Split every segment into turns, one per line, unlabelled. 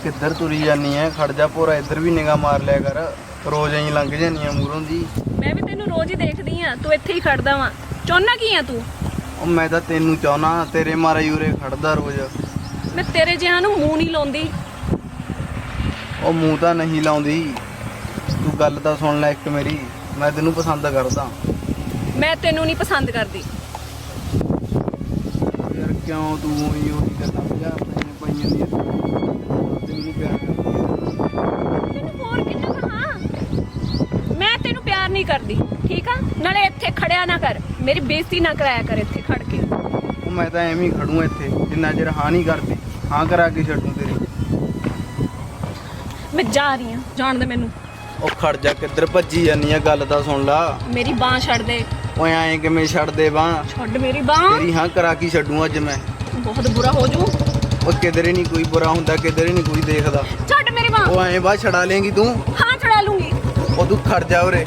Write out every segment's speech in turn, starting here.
किधर तुरी जानी है? खड़ जा पूरा, इधर भी निगाह मार लिया कर। रोज ही लंघ जानी है मूरों दी।
मैं भी तेनू रोज ही देखदी हां, तू इत्थे ही खड़दा वा। चाहना की है तू?
ओ मैं तो तेनू चाहना, तेरे मारे यूरे खड़दा रोज।
मैं तेरे जिहां नू मूंह नहीं लाउंदी।
ओ मूंह तो नहीं लाउंदी, तू गल तो सुन ले एक मेरी। मैं तेनू पसंद करदा।
मैं तेनू नहीं पसंद करदी।
यार क्यों तू ਉਹੀ ਗੱਲਾਂ ਭਜਾ ਪਈਆਂ ਦੀਆਂ ਤੈਨੂੰ ਪਿਆਰ ਕਰਦੀ ਹੈ।
ਤੈਨੂੰ ਹੋਰ ਕਿੰਨਾ ਕਹਾਂ? ਮੈਂ ਤੈਨੂੰ ਪਿਆਰ ਨਹੀਂ ਕਰਦੀ, ਠੀਕ ਆ? ਨਾਲੇ ਇੱਥੇ ਖੜਿਆ ਨਾ ਕਰ, ਮੇਰੀ ਬੇਇੱਜ਼ਤੀ ਨਾ ਕਰਾਇਆ ਕਰ ਇੱਥੇ ਖੜ ਕੇ।
ਉਹ ਮੈਂ ਤਾਂ ਐਵੇਂ ਹੀ ਖੜੂ ਇੱਥੇ ਜਿੰਨਾ ਚਿਰ ਹਾਂ ਨਹੀਂ ਕਰਦੀ। ਹਾਂ ਕਰਾ ਕੇ ਛੱਡੂ ਤੇਰੀ।
ਮੈਂ ਜਾ ਰਹੀ ਹਾਂ, ਜਾਣ ਦੇ ਮੈਨੂੰ।
ਉਹ ਖੜ ਜਾ, ਕਿੱਧਰ ਭੱਜੀ ਜਾਨੀ ਆ? ਗੱਲ ਤਾਂ ਸੁਣ ਲਾ।
ਮੇਰੀ ਬਾਂਹ ਛੱਡ ਦੇ।
ਓਏ ਐਂ ਕਿਵੇਂ ਛੱਡ ਦੇ ਬਾਂਹ?
ਛੱਡ ਮੇਰੀ ਬਾਂਹ।
ਤੇਰੀ ਹਾਂ ਕਰਾ ਕੇ ਛੱਡੂ ਅੱਜ ਮੈਂ।
ਬਹੁਤ ਬੁਰਾ ਹੋ ਜੂ।
ਉਹ ਕਿਧਰੇ ਨਹੀਂ ਕੋਈ ਬੁਰਾ ਹੁੰਦਾ, ਕਿਧਰੇ ਨਹੀਂ ਕੋਈ ਦੇਖਦਾ।
ਛੱਡ ਮੇਰੀ ਬਾਂਹ।
ਉਹ ਐਂ ਬਾਂਹ ਛਡਾ ਲੇਂਗੀ ਤੂੰ?
ਹਾਂ ਛੜਾ ਲੂੰਗੀ।
ਉਹ ਤੂੰ ਖੜ ਜਾ ਉਰੇ।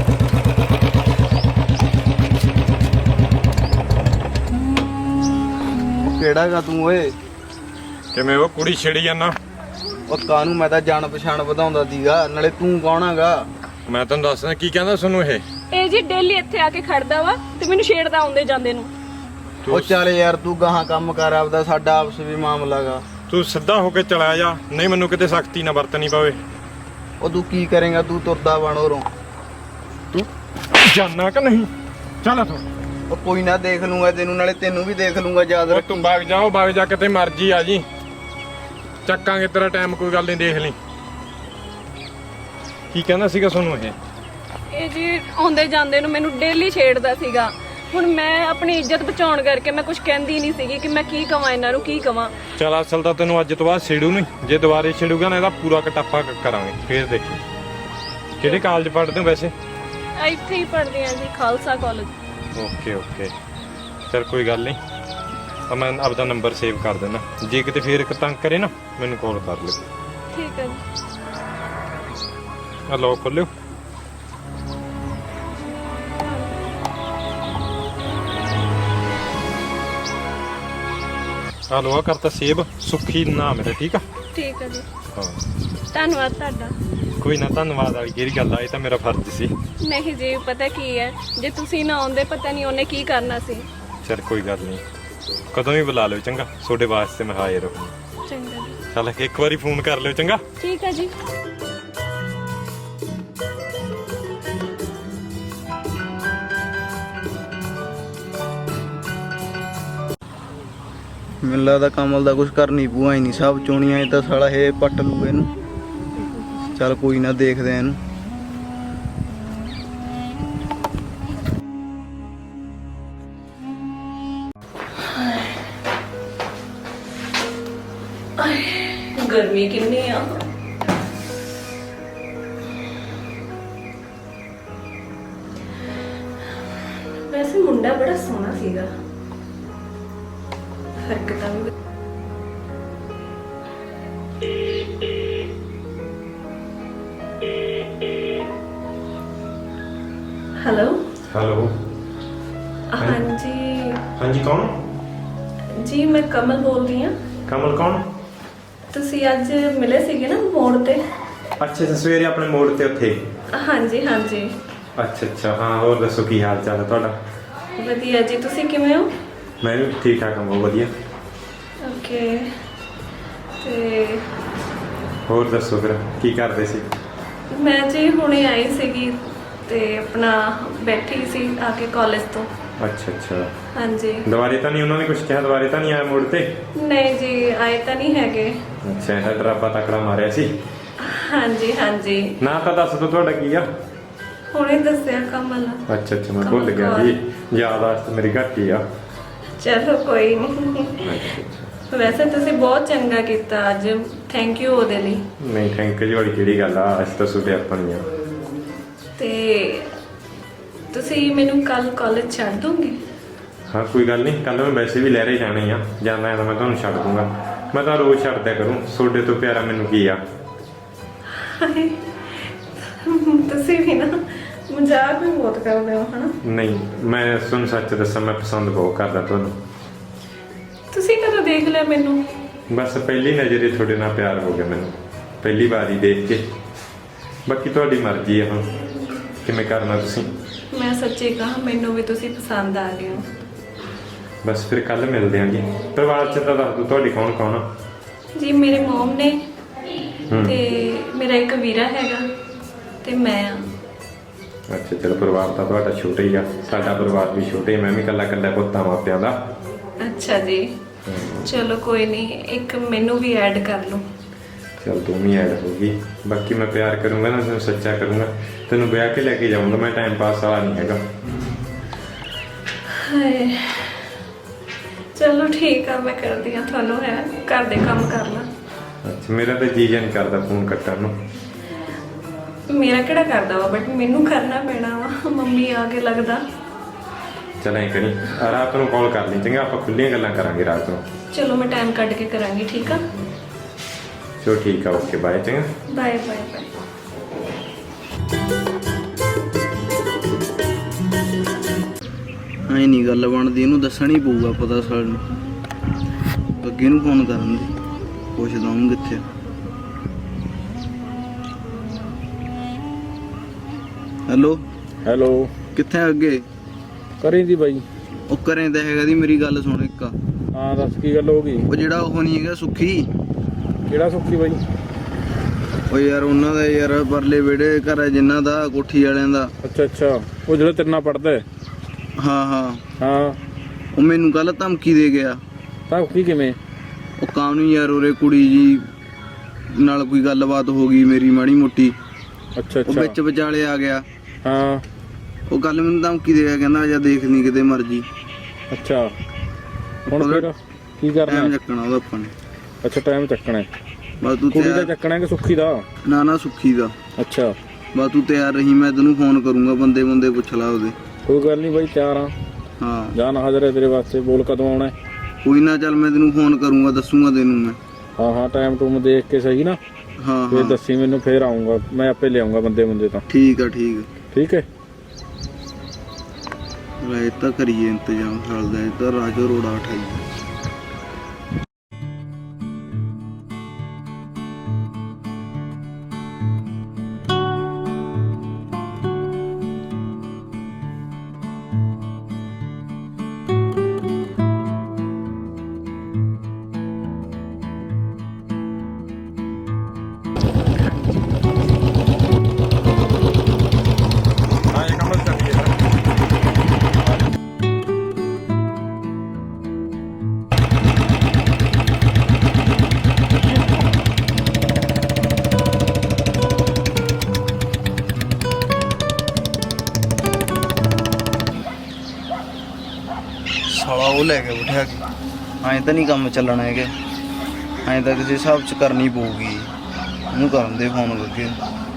ਕਿਹੜਾ ਗਾ ਤੂੰ ਓਏ?
ਕਿਵੇਂ ਉਹ ਕੁੜੀ ਛੇੜੀ ਜਾਂਦਾ?
ਉਹ ਕਾਹਨੂੰ, ਮੈਂ ਤਾਂ ਜਾਣ ਪਛਾਣ ਵਧਾਉਂਦਾ ਸੀਗਾ। ਨਾਲੇ ਤੂੰ ਕੌਣ ਹੈਗਾ?
ਮੈਂ ਤੁਹਾਨੂੰ ਦੱਸਦਾ ਕੀ ਕਹਿੰਦਾ ਤੁਹਾਨੂੰ
ਇਹ ਜੀ ਡੇਲੀ ਇੱਥੇ ਆ ਕੇ ਖੜਦਾ ਵਾ ਤੇ ਮੈਨੂੰ ਛੇੜਦਾ ਆਉਂਦੇ ਜਾਂਦੇ ਨੂੰ।
ਉਹ ਚੱਲ ਯਾਰ ਤੂੰ ਗਾਹਾਂ ਕੰਮ ਕਰ ਆਪਦਾ, ਸਾਡਾ ਆਪਸ ਵੀ ਮਾਮਲਾ ਗਾ।
ਤੂੰ ਸਿੱਧਾ ਹੋ ਕੇ ਚਲਾ ਜਾ, ਨਹੀਂ ਮੈਨੂੰ ਕਿਤੇ ਸਖਤੀ ਨਾ ਵਰਤਣੀ ਪਵੇ।
ਉਹ ਤੂੰ ਕੀ ਕਰੇਗਾ? ਤੂੰ ਤੁਰਦਾ ਬਣ ਉਰੋਂ।
ਤੂੰ ਜਾਨਾ ਕਿ ਨਹੀਂ? ਚੱਲ ਇੱਥੋਂ।
ਉਹ ਕੋਈ ਨਾ, ਦੇਖ ਲੂੰਗਾ ਤੈਨੂੰ, ਨਾਲੇ ਤੈਨੂੰ ਵੀ ਦੇਖ ਲੂੰਗਾ। ਯਾਦ
ਉਹ
ਰੱਖ।
ਤੂੰ ਵਗ ਜਾ ਕਿਤੇ ਮਰਜੀ ਆ ਜੀ, ਚੱਕਾਂਗੇ ਤੇਰਾ ਟਾਈਮ, ਕੋਈ ਗੱਲ ਨਹੀਂ, ਦੇਖ ਲਈ। ਕੀ ਕਹਿੰਦਾ ਸੀਗਾ ਤੁਹਾਨੂੰ
ਇਹ ਜੀ ਆਉਂਦੇ ਜਾਂਦੇ ਨੂੰ ਮੈਨੂੰ ਡੇਲੀ ਛੇੜਦਾ ਸੀਗਾ। ਹੁਣ ਮੈਂ ਆਪਣੀ ਇੱਜ਼ਤ ਬਚਾਉਣ ਕਰਕੇ ਮੈਂ ਕੁਝ ਕਹਿੰਦੀ ਨਹੀਂ ਸੀਗੀ ਕਿ ਮੈਂ ਕੀ ਕਵਾਂ ਇਹਨਾਂ ਨੂੰ, ਕੀ ਕਵਾਂ।
ਚੱਲ ਅਸਲ ਤਾਂ ਤੈਨੂੰ ਅੱਜ ਤੋਂ ਬਾਅਦ ਛੇੜੂ ਨਹੀਂ, ਜੇ ਦੁਬਾਰੇ ਛੇੜੂਗਾ ਨਾ ਇਹਦਾ ਪੂਰਾ ਕਟਾਪਾ ਕਰਾਂਗੇ, ਫੇਰ ਦੇਖੀ। ਕਿਹੜੇ ਕਾਲਜ ਪੜ੍ਹਦੇ ਹੋ ਵੈਸੇ?
ਇੱਥੇ ਹੀ ਪੜ੍ਹਦੀ ਹਾਂ ਜੀ, ਖਾਲਸਾ ਕਾਲਜ।
ਓਕੇ ਚਲ ਕੋਈ ਗੱਲ ਨਹੀਂ, ਤਾਂ ਮੈਂ ਆਪਦਾ ਨੰਬਰ ਸੇਵ ਕਰ ਦੇਣਾ। ਜੇ ਕਿਤੇ ਫੇਰ ਇੱਕ ਤੰਗ ਕਰੇ ਨਾ ਮੈਨੂੰ ਕਾਲ ਕਰ ਲਿਓ।
ਠੀਕ ਹੈ ਜੀ।
ਆ ਲੋ ਖੋਲਿਓ। ਆ ਲੋ ਕਰਤਾ ਸੇਵ, ਸੁਖੀ ਨਾਮ ਹੈ, ਠੀਕ ਆ?
ਠੀਕ ਹੈ ਜੀ,
ਹਾਂ
ਧੰਨਵਾਦ ਤੁਹਾਡਾ।
ਕੋਈ ਨਾ ਧੰਨਵਾਦ ਵਾਲੀ ਕਿਹੜੀ ਗੱਲ ਆ, ਇਹ ਤਾਂ ਮੇਰਾ ਫਰਜ਼ ਸੀ।
ਨਹੀਂ ਜੀ, ਪਤਾ ਕੀ ਹੈ, ਜੇ ਤੁਸੀਂ ਨਾ ਆਉਂਦੇ ਪਤਾ ਨਹੀਂ ਉਹਨੇ ਕੀ ਕਰਨਾ ਸੀ।
ਚਲ ਕੋਈ ਗੱਲ ਨਹੀਂ, ਕਦੋਂ ਵੀ ਬੁਲਾ ਲਿਓ ਚੰਗਾ, ਤੁਹਾਡੇ ਵਾਸਤੇ ਮੈਂ ਹਾਜ਼ਰ ਰਹੂੰ।
ਚੰਗਾ ਜੀ।
ਚੱਲ ਇੱਕ ਵਾਰੀ ਫੋਨ ਕਰ ਲਿਓ ਚੰਗਾ।
ਠੀਕ ਹੈ ਜੀ।
ਮੈਨੂੰ ਲੱਗਦਾ ਕਮਲ ਦਾ ਕੁਝ ਕਰਨੀ ਪੂਆ ਹੀ ਨਹੀਂ, ਸਭ ਚੋਣੀਆਂ ਇਹ ਤਾਂ ਸਾਲਾ ਇਹ ਪੱਟ ਲੂ ਇਹਨੂੰ। ਚੱਲ ਕੋਈ ਨਾ, ਦੇਖਦੇ ਆ ਇਹਨੂੰ।
ਗਰਮੀ ਕਿੰਨੀ ਆ। ਵੈਸੇ ਮੁੰਡਾ ਬੜਾ ਸੋਹਣਾ ਸੀਗਾ, ਹਰਕਤਾਂ ਵੀ। Hello
hello.
ਹਾਂਜੀ
ਹਾਂਜੀ ਕੌਣ?
ਜੀ ਮੈਂ ਕਮਲ ਬੋਲ ਰਹੀ ਹਾਂ।
ਕਮਲ ਕੌਣ?
ਤੁਸੀਂ ਅੱਜ ਮਿਲੇ ਸੀਗੇ ਨਾ ਮੋੜ ਤੇ?
ਅੱਛਾ ਸਵੇਰੇ ਆਪਣੇ ਮੋੜ ਤੇ ਉੱਥੇ।
ਹਾਂਜੀ ਹਾਂਜੀ।
ਅੱਛਾ ਹਾਂ, ਹੋਰ ਦੱਸੋ ਕੀ ਹਾਲ ਚਾਲ ਹੈ ਤੁਹਾਡਾ?
ਵਧੀਆ ਜੀ, ਤੁਸੀਂ ਕਿਵੇਂ ਹੋ?
ਮੈਂ ਵੀ ਠੀਕ ਠਾਕ ਹਾਂ, ਬਹੁਤ ਵਧੀਆ।
ਓਕੇ, ਤੇ
ਹੋਰ ਦੱਸੋ ਫਿਰ ਕੀ ਕਰਦੇ ਸੀ?
ਮੈਂ ਜੀ ਹੁਣੇ ਆਈ ਸੀਗੀ ਤੇ ਆਪਣਾ ਬੈਠੀ ਸੀ ਆ ਕੇ ਕਾਲਜ ਤੋਂ।
ਅੱਛਾ
ਹਾਂਜੀ।
ਦੁਬਾਰੇ ਤਾਂ ਨਹੀਂ ਉਹਨਾਂ ਨੇ ਕੁਝ ਕਿਹਾ? ਦੁਬਾਰੇ ਤਾਂ ਨਹੀਂ ਆਇਆ ਮੋੜ ਤੇ?
ਨਹੀਂ ਜੀ, ਆਏ ਤਾਂ ਨਹੀਂ ਹੈਗੇ।
ਅੱਛਾ, ਇਹਦਾ ਡਰਾਪਾ ਤਕੜਾ ਮਾਰਿਆ ਸੀ।
ਹਾਂਜੀ ਹਾਂਜੀ।
ਨਾ ਤਾਂ ਦੱਸ ਦੋ ਤੁਹਾਡਾ ਕੀ ਆ?
ਹੁਣੇ ਦੱਸਿਆ ਕਮਲ।
ਅੱਛਾ ਮੈਂ ਭੁੱਲ ਗਿਆ ਜੀ, ਯਾਦਾਸ਼ਤ ਮੇਰੀ ਘੱਟ ਹੀ ਆ।
ਚਲੋ ਕੋਈ ਨਹੀਂ। ਵੈਸੇ ਤੁਸੀਂ ਬਹੁਤ ਚੰਗਾ ਕੀਤਾ ਅੱਜ, ਥੈਂਕ ਯੂ ਉਹਦੇ ਲਈ।
ਨਹੀਂ ਥੈਂਕ ਯੂ ਵਾਲੀ ਕਿਹੜੀ ਗੱਲ ਆ, ਅਸੀਂ ਤਾਂ ਸੁਦੇ ਆਪਣੀ ਆ।
ਤੇ ਤੁਸੀਂ ਮੈਨੂੰ ਕੱਲ ਕਾਲਜ ਛੱਡ ਦੋਗੇ?
ਹਾਂ ਕੋਈ ਗੱਲ ਨਹੀਂ, ਕੱਲ ਮੈਂ ਵੈਸੇ ਵੀ ਲਹਿਰੇ ਜਾਣੇ ਆ, ਜਾਂਦਾ ਹੈ ਤਾਂ ਮੈਂ ਤੁਹਾਨੂੰ ਛੱਡ ਦੂੰਗਾ। ਮੈਂ ਤਾਂ ਰੋਜ਼ ਛੱਡਦਿਆ ਕਰੂੰ, ਤੁਹਾਡੇ ਤੋਂ ਪਿਆਰਾ ਮੈਨੂੰ ਕੀ ਆ।
ਤੁਸੀਂ ਵੀ ਨਾ ਮਜ਼ਾਕ ਵੀ ਬਹੁਤ ਕਰਦੇ ਹੋ ਹਨਾ?
ਨਹੀਂ, ਮੈਂ ਤੁਹਾਨੂੰ ਸੱਚ ਦੱਸਾਂ, ਮੈਂ ਪਸੰਦ ਬਹੁਤ ਕਰਦਾ ਤੁਹਾਨੂੰ।
ਤੁਸੀਂ ਕਦੋਂ ਦੇਖ ਲਿਆ ਮੈਨੂੰ?
ਬਸ ਪਹਿਲੀ ਨਜ਼ਰੇ ਤੁਹਾਡੇ ਨਾਲ ਪਿਆਰ ਹੋ ਗਿਆ ਮੈਨੂੰ, ਪਹਿਲੀ ਵਾਰੀ ਦੇਖ ਕੇ। ਬਾਕੀ ਤੁਹਾਡੀ ਮਰਜ਼ੀ ਹੈ ਹੁਣ ਕਿਵੇਂ ਕਰਨਾ ਤੁਸੀਂ।
ਮੈਂ ਸੱਚੀ ਕਹਾਂ ਮੈਨੂੰ ਵੀ ਤੁਸੀਂ ਪਸੰਦ ਆ ਗਏ ਹੋ।
ਬਸ ਫਿਰ ਕੱਲ ਮਿਲਦੇ ਹਾਂ ਜੀ। ਪਰਿਵਾਰ ਚ ਤਾਂ ਦੱਸ ਦਿਓ ਤੁਹਾਡੇ ਕੌਣ ਕੌਣ ਆ।
ਜੀ ਮੇਰੇ ਮਮ ਨੇ ਤੇ ਮੇਰਾ ਇੱਕ ਵੀਰਾ ਹੈਗਾ ਤੇ ਮੈਂ ਆ।
ਅੱਛਾ ਚਲੋ, ਪਰਿਵਾਰ ਤਾਂ ਤੁਹਾਡਾ ਛੋਟਾ ਹੀ ਆ, ਸਾਡਾ ਪਰਿਵਾਰ ਵੀ ਛੋਟਾ ਹੀ, ਮੈਂ ਵੀ ਇਕੱਲਾ ਪੁੱਤਾਂ ਮਾਪਿਆਂ ਦਾ।
ਅੱਛਾ ਜੀ, ਚਲੋ ਕੋਈ ਨਹੀਂ, ਇੱਕ ਮੈਨੂੰ ਵੀ ਐਡ ਕਰ ਲਓ।
ਚਲ ਤੂੰ ਵੀ ਐਡ ਹੋਗੀ। ਬਾਕੀ ਮੈਂ ਪਿਆਰ ਕਰੂੰਗਾ ਨਾ, ਤੈਨੂੰ ਸੱਚਾ ਕਰੂੰਗਾ, ਤੈਨੂੰ ਵਿਆਹ ਕੇ ਲੈ ਕੇ ਜਾਊਂਗਾ। ਮੈਂ ਟਾਈਮ ਪਾਸ ਵਾਲਾ ਨਹੀਂ ਹੈਗਾ।
ਹਾਏ ਚਲੋ ਠੀਕ ਆ, ਮੈਂ ਕਰਦੀ ਆ ਤੁਹਾਨੂੰ, ਹੈ ਘਰ ਦੇ ਕੰਮ ਕਰ ਲਾਂ।
ਅੱਛਾ, ਮੇਰਾ ਤਾਂ ਜੀ ਨਹੀਂ ਕਰਦਾ ਫੋਨ ਕੱਟਣ ਨੂੰ।
ਮੇਰਾ ਕਿਹੜਾ ਕਰਦਾ ਵਾ, ਬਟ ਮੈਨੂੰ ਕਰਨਾ ਪੈਣਾ ਵਾ, ਮੰਮੀ ਆ ਕੇ ਲੱਗਦਾ।
ਚਲ ਐਂ ਕਰੀ, ਰਾਤ ਨੂੰ ਕਾਲ ਕਰ ਲਈ ਚੰਗਾ, ਆਪਾਂ ਖੁੱਲੀਆਂ ਗੱਲਾਂ ਕਰਾਂਗੇ ਰਾਤ ਨੂੰ।
ਚਲੋ ਮੈਂ ਟਾਈਮ ਕੱਢ ਕੇ ਕਰਾਂਗੀ, ਠੀਕ ਆ।
ਚਲੋ ਠੀਕ ਆ, ਓਕੇ ਬਾਏ ਚੰਗਾ।
Bye bye bye.
ਐ ਨਹੀਂ ਗੱਲ ਬਣਦੀ, ਇਹਨੂੰ ਦੱਸਣਾ ਹੀ ਪਊਗਾ ਪਤਾ ਸਾਨੂੰ। ਅੱਗੇ ਨੂੰ ਫੋਨ ਕਰਨ ਦੀ ਪੁੱਛਦਾ ਹੂੰ ਕਿੱਥੇ। ਹੈਲੋ
ਹੈਲੋ,
ਕਿੱਥੇ ਆ ਅੱਗੇ?
ਕਰੀ ਦੀ ਬਾਈ।
ਉਹ ਕਰੇ ਤਾਂ ਹੈਗਾ ਦੀ, ਮੇਰੀ ਗੱਲ ਸੁਣ ਇੱਕ।
ਹਾਂ ਦੱਸ ਕੀ ਗੱਲ ਹੋ ਗਈ?
ਉਹ ਜਿਹੜਾ ਉਹ ਨਹੀਂ ਹੈਗਾ ਸੁੱਖੀ,
ਕਿਹੜਾ ਸੁੱਖੀ ਬਾਈ?
ਉਹ ਯਾਰ ਉਹਨਾਂ ਦਾ ਯਾਰ ਪਰਲੇ ਵਿਹੜੇ ਘਰ ਹੈ ਜਿਨ੍ਹਾਂ ਦਾ, ਕੋਠੀ ਵਾਲਿਆਂ ਦਾ।
ਅੱਛਾ ਅੱਛਾ, ਉਹ ਜਿਹੜਾ ਤੇਰੇ ਨਾਲ ਪੜਦਾ ਹੈ?
ਹਾਂ ਹਾਂ,
ਹਾਂ,
ਉਹ ਮੈਨੂੰ ਕੱਲ ਧਮਕੀ ਦੇ ਗਿਆ।
ਤਾਂ ਕੀ ਕਿਵੇਂ?
ਉਹ ਕਾਹਨੂੰ ਯਾਰ, ਉਰੇ ਕੁੜੀ ਜੀ ਨਾਲ ਕੋਈ ਗੱਲਬਾਤ ਹੋ ਗਈ ਮੇਰੀ ਮਾੜੀ ਮੋਟੀ,
ਅੱਛਾ
ਉਹ
ਅੱਛਾ,
ਵਿੱਚ ਵਿਚਾਲੇ ਆ ਗਿਆ।
ਹਾਂ,
ਉਹ ਕੱਲ ਮੈਨੂੰ ਧਮਕੀ ਦੇ ਗਿਆ, ਕਹਿੰਦਾ ਜਾਂ ਦੇਖ ਲਈ ਕਿਤੇ ਮਰਜੀ।
ਅੱਛਾ ਹੁਣ ਫਿਰ ਕੀ ਕਰਨਾ?
ਟਾਈਮ ਚੱਕਣਾ ਉਹਦਾ ਆਪਾਂ ਨੇ।
ਅੱਛਾ ਟਾਈਮ ਚੱਕਣਾ ਹੈ।
ਬਸ ਤੂੰ
ਕੁੜੀ ਦਾ
ਤਿਆਰ,
ਚੱਕਣਾ ਕਿ ਸੁੱਖੀ ਦਾ?
ਨਾ ਨਾ ਸੁੱਖੀ ਦਾ।
ਅੱਛਾ,
ਬਸ ਤੂੰ ਤਿਆਰ ਰਹੀ, ਮੈਂ ਤੈਨੂੰ ਫੋਨ ਕਰੂੰਗਾ, ਬੰਦੇ ਬੰਦੇ ਪੁੱਛ ਲਾ ਉਹਦੇ।
ਕੋਈ ਗੱਲ ਨਹੀਂ ਬਾਈ, ਤਿਆਰ ਆ,
ਹਾਂ
ਜਾਨ ਹਾਜ਼ਰ ਹੈ ਤੇਰੇ ਵਾਸਤੇ। ਬੋਲ ਕਦੋਂ ਆਉਣਾ ਹੈ?
ਕੋਈ ਨਾ, ਚੱਲ ਮੈਂ ਤੈਨੂੰ ਫੋਨ ਕਰੂੰਗਾ, ਦੱਸੂਗਾ ਤੈਨੂੰ ਮੈਂ।
ਹਾਂ ਹਾਂ, ਟਾਈਮ ਟੂਮ ਦੇਖ ਕੇ ਸਹੀ ਨਾ,
ਹਾਂ
ਫਿਰ
ਹਾਂ
ਦੱਸੀ ਮੈਨੂੰ, ਫੇਰ ਆਉਂਗਾ ਮੈਂ, ਆਪੇ ਲਿਆਉਂਗਾ ਬੰਦੇ ਬੰਦੇ ਤਾਂ।
ਠੀਕ ਆ ਠੀਕ ਆ।
ਠੀਕ ਹੈ।
ਇਹ ਤਾਂ ਕਰੀਏ ਇੰਤਜ਼ਾਮ ਸਾਲ ਦਾ, ਇਹ ਤਾਂ ਰਾਜੋ ਰੋੜਾ ਉਠਾਈ।
ਹਾਂ ਇਹ ਕੰਮ ਚੱਲੀਏ ਫਿਰ।
ਸਾਲਾ ਉਹ ਲੈ ਕੇ ਬਿਠਾ ਕੇ, ਐਂ ਤਾਂ ਨਹੀਂ ਕੰਮ ਚੱਲਣਾ ਹੈਗਾ। ਐਂ ਤਾਂ ਕਿਸੇ ਹਿਸਾਬ 'ਚ ਕਰਨੀ ਪਊਗੀ। ਉਹਨੂੰ ਕਰਨ ਦੇ ਫੋਨ ਕਰਕੇ।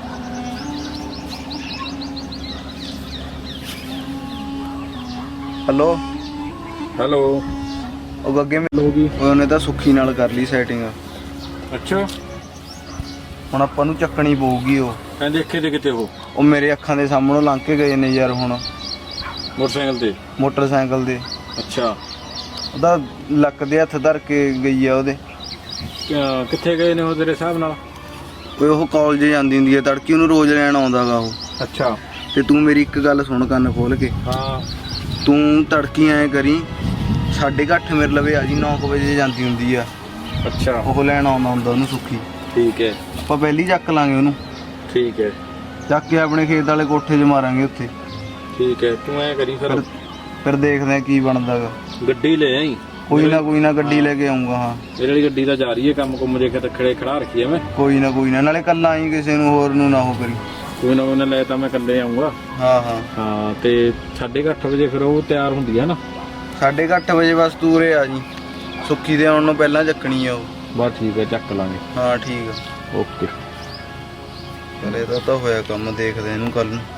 ਹੈਲੋ
ਹੈਲੋ,
ਉਹ ਗੱਗੇ
ਹੋ ਗਈ?
ਉਹਨੇ ਤਾਂ ਸੁੱਖੀ ਨਾਲ ਕਰ ਲਈ ਸੈਟਿੰਗ।
ਅੱਛਾ,
ਹੁਣ ਆਪਾਂ ਨੂੰ ਚੱਕਣੀ ਪਊਗੀ। ਉਹ
ਕਹਿੰਦੇ ਦੇਖੇ ਤੇ ਕਿਤੇ
ਉਹ ਮੇਰੇ ਅੱਖਾਂ ਦੇ ਸਾਹਮਣੋਂ ਲੰਘ ਕੇ ਗਏ ਨੇ ਯਾਰ। ਹੁਣ
ਮੋਟਰਸਾਈਕਲ ਤੇ?
ਮੋਟਰਸਾਈਕਲ ਦੇ।
ਅੱਛਾ,
ਉਹਦਾ ਲੱਕ ਦੇ ਹੱਥ ਧਰ ਕੇ ਗਈ ਆ ਉਹਦੇ।
ਕਿੱਥੇ ਗਏ ਨੇ ਉਹ ਤੇਰੇ ਹਿਸਾਬ ਨਾਲ?
ਓਏ ਉਹ ਕਾਲਜ ਜਾਂਦੀ ਹੁੰਦੀ ਹੈ ਤੜਕੀ, ਉਹਨੂੰ ਰੋਜ਼ ਲੈਣ ਆਉਂਦਾਗਾ ਉਹ।
ਅੱਛਾ,
ਤੇ ਤੂੰ ਮੇਰੀ ਇੱਕ ਗੱਲ ਸੁਣ ਕੰਨ ਖੋਲ ਕੇ।
ਹਾਂ,
ਤੂੰ ਤੜਕੀ ਐਂ ਕਰੀ 8:30 ਮੇਰੇ ਲਵੇ ਆ ਜੀ, 9 ਵਜੇ ਜਾਂਦੀ ਹੁੰਦੀ ਆ।
ਅੱਛਾ,
ਉਹ ਲੈਣ ਆਉਂਦਾ ਹੁੰਦਾ ਉਹਨੂੰ ਸੁੱਖੀ।
ਠੀਕ ਹੈ
ਆਪਾਂ ਪਹਿਲੀ ਚੱਕ ਲਾਂਗੇ ਉਹਨੂੰ,
ਠੀਕ ਹੈ
ਚੱਕ ਕੇ ਆਪਣੇ ਖੇਤ ਵਾਲੇ ਕੋਠੇ 'ਚ ਮਾਰਾਂਗੇ ਉੱਥੇ।
ਠੀਕ ਹੈ, ਤੂੰ ਐ ਕਰੀ
ਫਿਰ ਦੇਖਦੇ ਆ ਕੀ ਬਣਦਾਗਾ।
ਗੱਡੀ ਲੈ ਆਈ।
ਕੋਈ ਨਾ ਗੱਡੀ ਲੈ ਕੇ ਆਉਂਗਾ। ਹਾਂ
ਮੇਰੇ ਵਾਲੀ ਗੱਡੀ ਤਾਂ ਜਾ ਰਹੀ ਹੈ, ਕੰਮ ਕੁੰਮ ਜੇ ਕਿਤੇ ਖੜੇ ਖੜਾ ਰੱਖੀ ਐ ਮੈਂ।
ਕੋਈ ਨਾ ਨਾਲੇ ਕੱਲਾ ਆਈ, ਕਿਸੇ ਨੂੰ ਹੋਰ ਨੂੰ ਨਾ ਹੋ ਕਰੀ।
ਕੋਈ ਨਾ ਉਹਨੇ ਲੈ ਤਾਂ ਮੈਂ ਇਕੱਲੇ ਆਉਂਗਾ।
ਹਾਂ ਹਾਂ
ਹਾਂ, ਤੇ 8:30 ਵਜੇ ਫਿਰ ਉਹ ਤਿਆਰ ਹੁੰਦੀ ਹੈ ਨਾ?
8:30 ਵਜੇ ਬਸ ਤੂੰ ਉਰੇ ਆ ਜੀ, ਸੁੱਖੀ ਦੇ ਆਉਣ ਨੂੰ ਪਹਿਲਾਂ ਚੱਕਣੀ ਆ ਉਹ।
ਬਸ ਠੀਕ ਹੈ, ਚੱਕ ਲਾਂਗੇ।
ਹਾਂ ਠੀਕ ਆ,
ਓਕੇ।
ਚਲ ਇਹਦਾ ਤਾਂ ਹੋਇਆ ਕੰਮ, ਦੇਖਦੇ ਇਹਨੂੰ ਕੱਲ ਨੂੰ।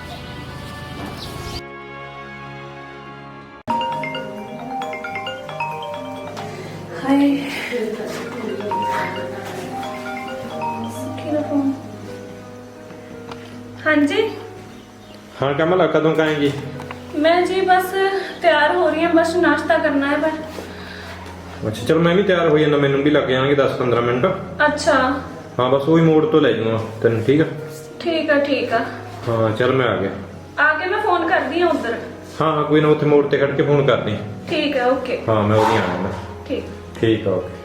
ਹਾਏ ਸੁੱਖੀ ਦਾ ਫੋਨ। ਹਾਂਜੀ
ਹਾਂ ਕਮਲ, ਕਦੋਂ ਕਾਏਂਗੀ?
ਮੈਂ ਜੀ ਬਸ ਤਿਆਰ ਹੋ ਰਹੀ ਹਾਂ, ਬਸ ਨਾਸ਼ਤਾ ਕਰਨਾ ਹੈ। ਬਸ
ਅੱਛਾ ਚਲ ਮੈਂ ਵੀ ਤਿਆਰ ਹੋ ਜਾਂਦਾ, ਮੈਨੂੰ ਵੀ ਲੱਗ ਜਾਣਗੇ 10-15 ਮਿੰਟ।
ਅੱਛਾ
ਹਾਂ ਬਸ ਉਹੀ ਮੋੜ ਤੋਂ ਲੈ ਜਾਊਂਗਾ ਤੈਨੂੰ, ਠੀਕ ਆ?
ਠੀਕ ਆ ਠੀਕ ਆ।
ਹਾਂ ਚਲ ਮੈਂ ਆ ਗਿਆ।
ਆ ਕੇ ਮੈਂ ਫੋਨ ਕਰਦੀ ਆ ਉਧਰ।
ਹਾਂ ਹਾਂ ਕੋਈ ਨਾ, ਉੱਥੇ ਮੋੜ ਤੇ ਖੜ ਕੇ ਫੋਨ ਕਰਦੀ।
ਠੀਕ ਹੈ ਓਕੇ।
ਹਾਂ ਮੈਂ ਉਹਦੀ ਆ ਜਾਣਾ।
ਠੀਕ
ਠੀਕ ਆ ਓਕੇ।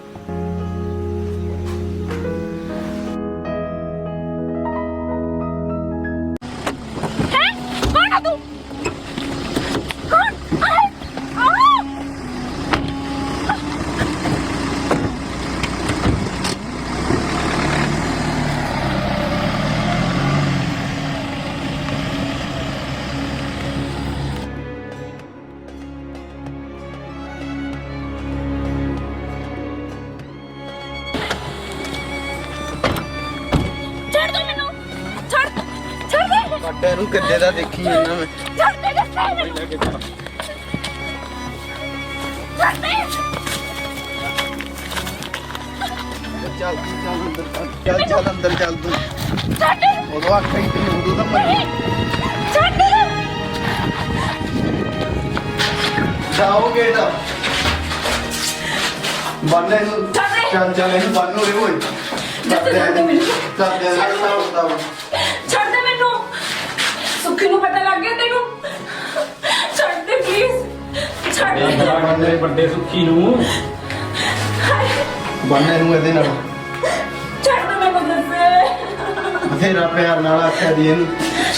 ਕੌਣ ਆ ਤੂੰ? ਕੌਣ? ਆ ਛੱਡ ਦੋ ਮੈਨੂੰ, ਛੱਡ ਦੇ,
ਕੱਟੇ ਨੂੰ ਕਿੱਦੇ ਦਾ ਦੇਖੀ ਜਾਂਦਾ ਮੈਂ।
ਛੱਡ ਦੇ ਦੱਸੇ ਮੈਨੂੰ, ਛੱਡ ਦੇ।
ਚੱਲ ਚੱਲ ਅੰਦਰ ਚੱਲ ਤੂੰ।
ਛੱਡ
ਉਦੋਂ ਆਖਿਆ ਹੀ ਤੈਨੂੰ, ਉਦੋਂ ਤਾਂ ਮੈਂ
ਛੱਡ
ਜਾਓ ਗੇਟ ਬੰਨੇ ਨੂੰ। ਚੱਲ ਚੱਲ ਇਹਨੂੰ ਬੰਨ ਹੋਏ ਓਏ।
ਛੱਡ ਦੇ ਮੈਨੂੰ,
ਚੱਲ ਦੇ ਰਸਤਾ ਹੁੰਦਾ ਵਾ।
ਛੱਡ ਦੇ ਮੈਨੂੰ। ਸੁੱਖੀ ਨੂੰ ਪਤਾ ਲੱਗ ਗਿਆ ਤੈਨੂੰ? ਛੱਡ ਦੇ ਪਲੀਜ਼, ਛੱਡ ਦੇ।
ਬੰਦੇ ਵੱਡੇ ਸੁੱਖੀ ਨੂੰ
ਬੰਨੇ ਨੂੰ ਇਹਦੇ ਨਾਲ
ਛੱਡ ਦੇ ਮੈਨੂੰ ਦੱਸੇ।
ਬਥੇਰਾ ਪਿਆਰ ਨਾਲ ਆਖਿਆ ਦੀ ਇਹਨੂੰ।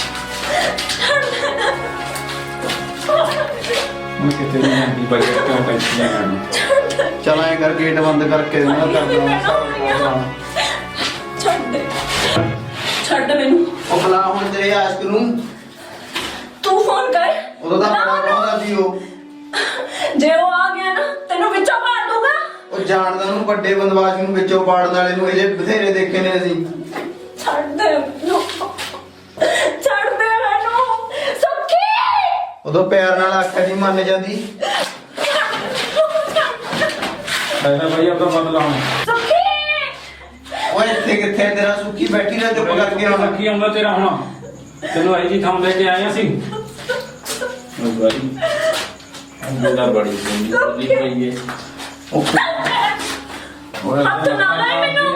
ਹੁਣ ਕਿਤੇ ਨਹੀਂ ਆਂਦੀ ਬਜਟ ਕਿਉਂ ਟੈਨਸ਼ਨ ਕਰਨੀ।
ਚਲ ਐ ਕਰ ਗੇਟ ਬੰਦ ਕਰਕੇ ਨਾ ਕਰ ਦਵਾਂ।
ਛੱਡ ਦੇ, ਛੱਡ ਮੈਨੂੰ।
ਉਹ ਬਲਾ ਹੁਣ ਤੇਰੇ ਆਸ਼ਕ ਨੂੰ।
ਤੂੰ ਫੋਨ ਕਰ।
ਉਦੋਂ ਤਾਂ ਬੜਾ ਕਹਿੰਦਾ ਸੀ ਉਹ।
ਜੇ ਉਹ ਆ ਗਿਆ ਨਾ ਤੈਨੂੰ ਵਿੱਚੋਂ ਮਾਰ ਦੂੰਗਾ।
ਉਹ ਜਾਣਦਾ ਉਹਨੂੰ, ਵੱਡੇ ਬੰਦਵਾਜ ਨੂੰ ਵਿੱਚੋਂ ਪਾੜਨ ਵਾਲੇ ਨੂੰ ਇਹਦੇ ਬਥੇਰੇ ਦੇਖੇ ਨੇ ਅਸੀਂ।
ਛੱਡ ਦੇ ਮੈਨੂੰ, ਛੱਡ ਦੇ ਮੈਨੂੰ ਸੁੱਖੀ।
ਉਦੋਂ ਪਿਆਰ ਨਾਲ ਆਖਿਆ ਦੀ ਮੰਨ ਜਾਂਦੀ।
ਐਨਾ ਭਾਈ ਆਪਦਾ ਬਦਲਾ ਹੁਣ।
ਸੁੱਖੀ
ਓਏ ਇੱਥੇ ਕਿੱਥੇ ਤੇਰਾ ਸੁੱਖੀ ਬੈਠੀ ਨਾ ਚੁੱਪ ਕਰਕੇ ਹੁਣ।
ਸੁੱਖੀ ਆਉਂਦਾ ਤੇਰਾ ਹੁਣ। ਤੈਨੂੰ ਆਈ ਜੀ ਥਾਂ ਲੈ ਕੇ ਆਏ ਅਸੀਂ। ਉਹ ਭਾਈ ਅੰਦਰ ਬੜੀ ਸੁਣੀ ਪਈ ਹੈ।
ਉਹ
ਹੱਥ ਨਾ ਲਾਏ ਮੈਨੂੰ।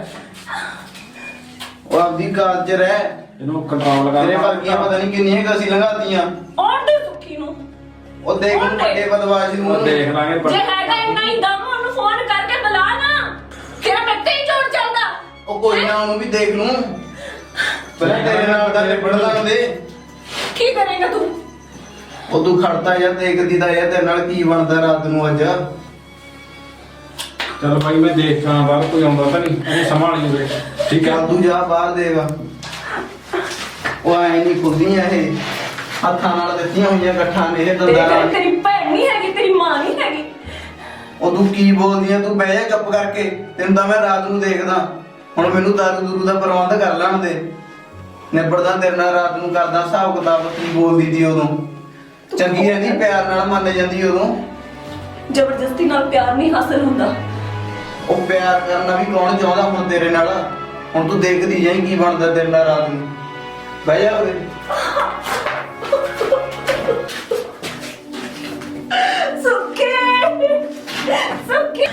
ਉਹ ਆਪਦੀ ਕਾਲ ਚ ਰਹਿ।
ਇਹਨੂੰ ਕੰਟਰੋਲ ਕਰ।
ਤੇਰੇ ਵਰਗੀਆਂ ਪਤਾ ਨਹੀਂ ਕਿੰਨੀਆਂ ਕੁ ਅਸੀਂ ਲੰਘਾਤੀਆਂ।
ਔਰ ਦੇ ਸੁੱਖੀ ਨੂੰ।
ਉਹ ਦੇਖ ਨੂੰ ਵੱਡੇ ਬੰਦਵਾਜ ਨੂੰ।
ਉਹ ਦੇਖ ਲਾਂਗੇ
ਜੇ ਹੈਗਾ ਇੰਨਾ ਹੀ ਦਮ ਉਹਨੂੰ ਫੋਨ ਕਰਕੇ ਬੁਲਾ ਨਾ, ਫਿਰ ਮੈਂ ਤੇ ਹੀ ਚੋਰ ਚੱਲਦਾ।
ਉਹ ਕੋਈ ਨਾ ਉਹਨੂੰ ਵੀ ਦੇਖ ਲੂੰ। ਪਹਿਲਾਂ ਤੇਰੇ ਨਾਲ ਦਾ ਨਿਬੜ ਲਾਂਦੇ।
ਕੀ ਕਰੇਗਾ ਤੂੰ?
ਉਹ ਤੂੰ ਖੜਦਾ ਯਾਰ, ਦੇਖਦੀ ਤਾਂ ਯਾਰ ਤੇਰੇ ਨਾਲ ਕੀ ਬਣਦਾ ਰਾਤ ਨੂੰ ਅੱਜ।
ਚਲ ਭਾਈ ਮੈਂ ਦੇਖਾਂ ਬਾਹਰ ਕੋਈ ਆਉਂਦਾ ਤਾਂ ਨਹੀਂ, ਇਹਨੂੰ ਸੰਭਾਲੀ ਵੀਰੇ। ਠੀਕ ਹੈ
ਚੱਲ ਤੂੰ ਜਾ ਬਾਹਰ ਦੇਗਾ। ਉਹ ਐ ਨਹੀਂ ਖੁੱਦੀਆਂ ਇਹ, ਹੱਥਾਂ ਨਾਲ ਦਿੱਤੀਆਂ ਹੋਈਆਂ ਇਕੱਠਾਂ ਨੇ ਇਹ ਦੰਦਾਂ ਨਾਲ।
ਤੇਰੀ ਭੈਣ ਨਹੀਂ ਹੈਗੀ, ਤੇਰੀ ਮਾਂ ਨਹੀਂ ਹੈਗੀ।
ਉਹ ਤੂੰ ਕੀ ਬੋਲਦੀ ਆ? ਤੂੰ ਬਹਿ ਜਾ ਚੁੱਪ ਕਰਕੇ। ਤੈਨੂੰ ਤਾਂ ਮੈਂ ਰਾਤ ਨੂੰ ਦੇਖਦਾ। ਹੁਣ ਮੈਨੂੰ ਦਾਰੂ ਦੂਰੂ ਦਾ ਪ੍ਰਬੰਧ ਕਰ ਲੈਣ ਦੇ। ਨਿਬੜਦਾ ਤੇਰੇ ਨਾਲ ਰਾਤ ਨੂੰ, ਕਰਦਾ ਹਿਸਾਬ ਕਿਤਾਬ। ਕੀ ਬੋਲਦੀ ਸੀ ਉਦੋਂ? ਚੰਗੀ ਰਹਿੰਦੀ, ਪਿਆਰ ਨਾਲ ਮੰਨ ਜਾਂਦੀ ਉਦੋਂ।
ਜ਼ਬਰਦਸਤੀ ਨਾਲ ਪਿਆਰ ਨਹੀਂ ਹਾਸਲ ਹੁੰਦਾ।
ਉਹ ਪਿਆਰ ਕਰਨਾ ਵੀ ਕੌਣ ਚਾਹੁੰਦਾ ਹੁਣ ਤੇਰੇ ਨਾਲ? ਹੁਣ ਤੂੰ ਦੇਖਦੀ ਜਾਈਂ ਕੀ ਬਣਦਾ ਤੇਰੇ ਨਾਲ ਰਾਤ ਨੂੰ। ਬਹਿ ਜਾ ਉਰੇ।
ਸੁੱਖੀ, ਸੁੱਖੀ।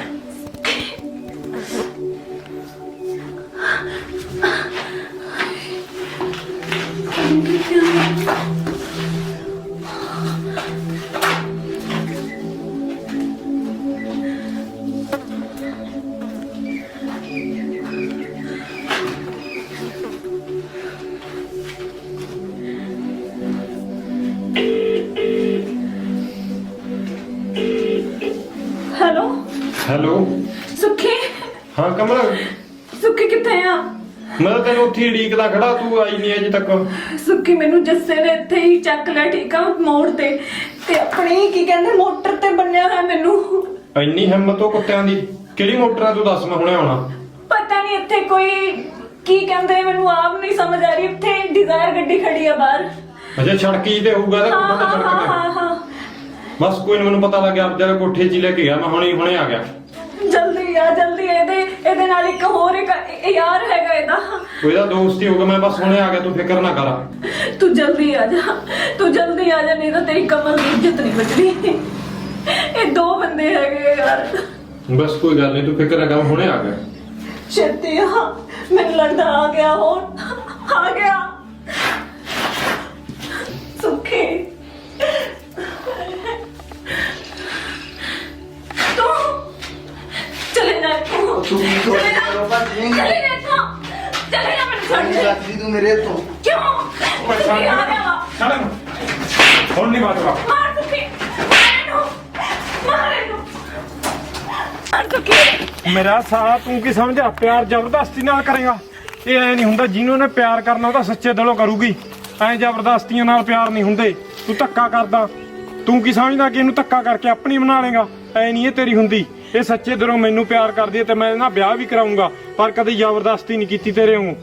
Hello
hello.
ਸੁੱਖੀ,
ਹਾਂ ਕਮਲ,
ਸੁੱਖੀ ਕਿੱਥੇ ਆ?
ਮੈਂ ਤਾਂ ਤੈਨੂੰ ਉੱਥੇ ਢੀਕਦਾ ਖੜਾ, ਤੂੰ ਆਈ ਨਹੀਂ ਅਜੇ ਤੱਕ।
ਸੁੱਖੀ ਮੈਨੂੰ ਜੱਸੇ ਨੇ ਇੱਥੇ ਹੀ ਚੱਕ ਲਿਆ, ਠੀਕ ਆ, ਮੋੜ ਤੇ ਆਪਣੀ ਕੀ ਕਹਿੰਦੇ ਮੋਟਰ ਤੇ ਬੰਨਿਆ ਹੋਇਆ ਮੈਨੂੰ।
ਇੰਨੀ ਹਿੰਮਤ ਉਹ ਕੁੱਤਿਆਂ ਦੀ? ਕਿਹੜੀ ਮੋਟਰ ਆ? ਤੂੰ ਦੱਸ, ਮੈਂ ਹੁਣੇ ਆਉਣਾ।
ਪਤਾ ਨਹੀਂ ਇੱਥੇ ਕੋਈ ਕੀ ਕਹਿੰਦੇ, ਮੈਨੂੰ ਆਪ ਨਹੀਂ ਸਮਝ ਆ ਰਹੀ। ਇੱਥੇ ਡਿਜ਼ਾਇਰ ਗੱਡੀ ਖੜੀ ਆ ਬਾਹਰ।
ਅੱਛਾ ਸੜਕੀ ਤੇ ਹੋਊਗਾ ਤਾਂ
ਹਾਂ
ਕੁੱਤਾ
ਹਾਂ
ਸੜਕ ਤੇ।
ਹਾਂ ਹਾਂ।
ਬਸ ਕੋਈ ਨਾ, ਮੈਨੂੰ ਪਤਾ ਲੱਗ ਗਿਆ। ਜਰਾ ਕੋਠੇ 'ਚ ਹੀ ਲੈ ਕੇ ਗਿਆ ਮੈਂ, ਹੁਣੇ ਆ ਗਿਆ।
ਜਲਦੀ ਆ ਜਲਦੀ। ਇਹਦੇ ਨਾਲ ਇੱਕ ਹੋਰ ਇੱਕ ਯਾਰ ਹੈਗਾ ਇਹਦਾ।
ਉਹਦਾ ਦੋਸਤ ਹੀ ਹੋਊਗਾ। ਮੈਂ ਬਸ ਹੁਣੇ ਆ ਗਿਆ, ਤੂੰ ਫਿਕਰ ਨਾ ਕਰ।
ਤੂੰ ਜਲਦੀ ਆ ਜਾ, ਤੂੰ ਜਲਦੀ ਆ ਜਾ, ਨਹੀਂ ਤਾਂ ਤੇਰੀ ਕਮਲ ਦੀ ਇੱਜ਼ਤ ਨਹੀਂ ਬਚਣੀ। ਇਹ ਦੋ ਬੰਦੇ ਹੈਗੇ ਯਾਰ।
ਬਸ ਕੋਈ ਗੱਲ ਨਹੀਂ, ਤੂੰ ਫਿਕਰ ਨਾ ਕਰ, ਹੁਣੇ ਆ ਗਿਆ।
ਛੇਤੀ ਆ, ਮੈਨੂੰ ਲੱਗਦਾ ਆ ਗਿਆ ਹੁਣ, ਆ ਗਿਆ ਸੁੱਖੀ। ਤੂੰ ਚਲੇ ਜਾ ਇੱਥੋਂ,
ਤੂੰ ਕੀ ਸੋਚ
ਚਲੇ ਜਾ,
ਕਰੋ ਭੱਜ ਜਾਏਂਗੀ।
ਚਲੇ ਜਾ ਇੱਥੋਂ, ਚਲੇ ਜਾ, ਮੈਨੂੰ ਛੱਡ ਦੇ।
ਰੱਖਦੀ ਤੂੰ ਮੇਰੇ ਤੋਂ।
ਕਿਉਂ ਸੁੱਖੀ ਆ ਗਿਆ ਵਾ।
ਛੱਡ ਇਹਨੂੰ। ਹੁਣ ਨਹੀਂ ਬਾਤ
ਮਾਰ ਸੁੱਖੀ, ਮਾਰ ਇਹਨੂੰ, ਮਾਰ ਇਹਨੂੰ, ਮਾਰ ਸੁੱਖੀ।
ਮੇਰਾ ਸਾਲਾ ਤੂੰ ਕੀ ਸਮਝਿਆ? ਪਿਆਰ ਜ਼ਬਰਦਸਤੀ ਨਾਲ ਕਰੇਗਾ? ਇਹ ਐ ਨਹੀਂ ਹੁੰਦਾ, ਜਿਹਨੂੰ ਨੇ ਪਿਆਰ ਕਰਨਾ ਉਹ ਤਾਂ ਸੱਚੇ ਦਿਲੋਂ ਕਰੂਗੀ। ਐ ਜ਼ਬਰਦਸਤੀਆਂ ਨਾਲ ਪਿਆਰ ਨਹੀਂ ਹੁੰਦੇ। ਤੂੰ ਧੱਕਾ ਕਰਦਾ, ਤੂੰ ਕੀ ਸਮਝਦਾ ਕਿ ਇਹਨੂੰ ਧੱਕਾ ਕਰਕੇ ਆਪਣੀ ਬਣਾ ਲੇਗਾ? ਐ ਨਹੀਂ ਇਹ ਤੇਰੀ ਹੁੰਦੀ। ਇਹ ਸੱਚੇ ਦਿਲੋਂ ਮੈਨੂੰ ਪਿਆਰ ਕਰਦੀ ਹੈ ਤੇ ਮੈਂ ਇਹਦੇ ਨਾਲ ਵਿਆਹ ਵੀ ਕਰਾਉਂਗਾ, ਪਰ ਕਦੇ ਜ਼ਬਰਦਸਤੀ ਨਹੀਂ ਕੀਤੀ ਤੇਰੇ ਵਾਂਗੂ।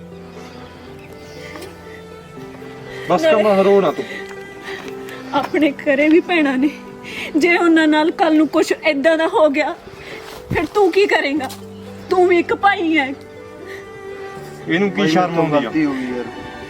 ਬਸ ਕੰਮ ਹਰੋ ਨਾ ਤੂੰ।
ਆਪਣੇ ਘਰੇ ਵੀ ਭੈਣਾਂ ਨੇ, ਜੇ ਉਹਨਾਂ ਨਾਲ ਕੱਲ ਨੂੰ ਕੁਝ ਏਦਾਂ ਦਾ ਹੋ ਗਿਆ ਫਿਰ ਤੂੰ ਕੀ ਕਰੇਂਗਾ? ਤੂੰ ਵੀ ਇੱਕ ਭਾਈ ਹੈ।
ਇਹਨੂੰ ਕੀ ਸ਼ਰਮ ਆਉਂਦੀ ਆ?
ਗਲਤੀ ਹੋ ਗਈ ਯਾਰ।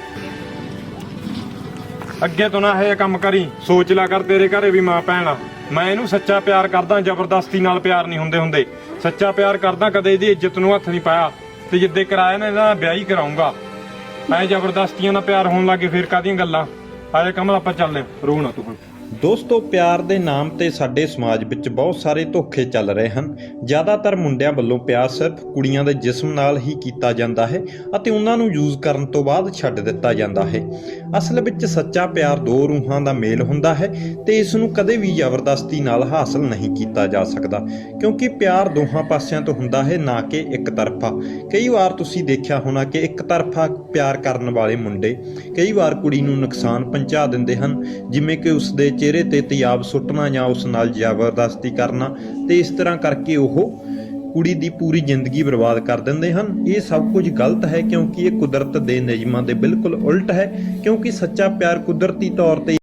ਅੱਗੇ ਤੋਂ ਨਾ ਇਹ ਕੰਮ ਕਰੀ, ਸੋਚ ਲਿਆ ਕਰ, ਤੇਰੇ ਘਰੇ ਵੀ ਮਾਂ ਭੈਣ ਆ। ਮੈਂ ਇਹਨੂੰ ਸੱਚਾ ਪਿਆਰ ਕਰਦਾ, ਜ਼ਬਰਦਸਤੀ ਨਾਲ ਪਿਆਰ ਨਹੀਂ ਹੁੰਦੇ। ਸੱਚਾ ਪਿਆਰ ਕਰਦਾ, ਕਦੇ ਇਹਦੀ ਇੱਜ਼ਤ ਨੂੰ ਹੱਥ ਨਹੀਂ ਪਾਇਆ, ਤੇ ਜਿੱਦੇ ਕਰਾਇਆ ਨਾ ਇਹਦਾ ਵਿਆਹ ਹੀ ਕਰਾਉਂਗਾ। ਐ ਜ਼ਬਰਦਸਤੀਆਂ ਨਾਲ ਪਿਆਰ ਹੋਣ ਲੱਗੇ ਫਿਰ ਕਾਹਦੀਆਂ ਗੱਲਾਂ? ਆਏ ਕਮਲ ਆਪਾਂ ਚੱਲਦੇ, ਰੋ ਨਾ ਤੂੰ ਹੁਣ।
ਦੋਸਤੋ, ਪਿਆਰ ਦੇ ਨਾਮ ਤੇ ਸਾਡੇ ਸਮਾਜ ਵਿੱਚ ਬਹੁਤ ਸਾਰੇ ਧੋਖੇ ਚੱਲ ਰਹੇ ਹਨ। ਜ਼ਿਆਦਾਤਰ ਮੁੰਡਿਆਂ ਵੱਲੋਂ ਪਿਆਰ ਸਿਰਫ ਕੁੜੀਆਂ ਦੇ ਜਿਸਮ ਨਾਲ ਹੀ ਕੀਤਾ ਜਾਂਦਾ ਹੈ ਅਤੇ ਉਹਨਾਂ ਨੂੰ ਯੂਜ਼ ਕਰਨ ਤੋਂ ਬਾਅਦ ਛੱਡ ਦਿੱਤਾ ਜਾਂਦਾ ਹੈ। ਅਸਲ ਵਿੱਚ ਸੱਚਾ ਪਿਆਰ ਦੋ ਰੂਹਾਂ ਦਾ ਮੇਲ ਹੁੰਦਾ ਹੈ ਤੇ ਇਸ ਨੂੰ ਕਦੇ ਵੀ ਜ਼ਬਰਦਸਤੀ ਨਾਲ ਹਾਸਲ ਨਹੀਂ ਕੀਤਾ ਜਾ ਸਕਦਾ, ਕਿਉਂਕਿ ਪਿਆਰ ਦੋਹਾਂ ਪਾਸਿਆਂ ਤੋਂ ਹੁੰਦਾ ਹੈ, ਨਾ ਕਿ ਇੱਕ ਤਰਫਾ। ਕਈ ਵਾਰ ਤੁਸੀਂ ਦੇਖਿਆ ਹੋਣਾ ਕਿ ਇੱਕ ਤਰਫਾ ਪਿਆਰ ਕਰਨ ਵਾਲੇ ਮੁੰਡੇ ਕਈ ਵਾਰ ਕੁੜੀ ਨੂੰ ਨੁਕਸਾਨ ਪਹੁੰਚਾ ਦਿੰਦੇ ਹਨ, ਜਿਵੇਂ ਕਿ ਉਸ ਦੇ ਚਿਹਰੇ ਤੇ ਤਿਆਬ ਸੁੱਟਣਾ ਜਾਂ ਉਸ ਨਾਲ ਜ਼ਬਰਦਸਤੀ ਕਰਨਾ, ਤੇ ਇਸ ਤਰ੍ਹਾਂ ਕਰਕੇ ਉਹ ਕੁੜੀ ਦੀ ਪੂਰੀ ਜ਼ਿੰਦਗੀ ਬਰਬਾਦ ਕਰ ਦਿੰਦੇ ਹਨ। ਇਹ ਸਭ ਕੁਝ ਗਲਤ ਹੈ, ਕਿਉਂਕਿ ਇਹ ਕੁਦਰਤ ਦੇ ਨਿਯਮਾਂ ਦੇ ਬਿਲਕੁਲ ਉਲਟ ਹੈ, ਕਿਉਂਕਿ ਸੱਚਾ ਪਿਆਰ ਕੁਦਰਤੀ ਤੌਰ ਤੇ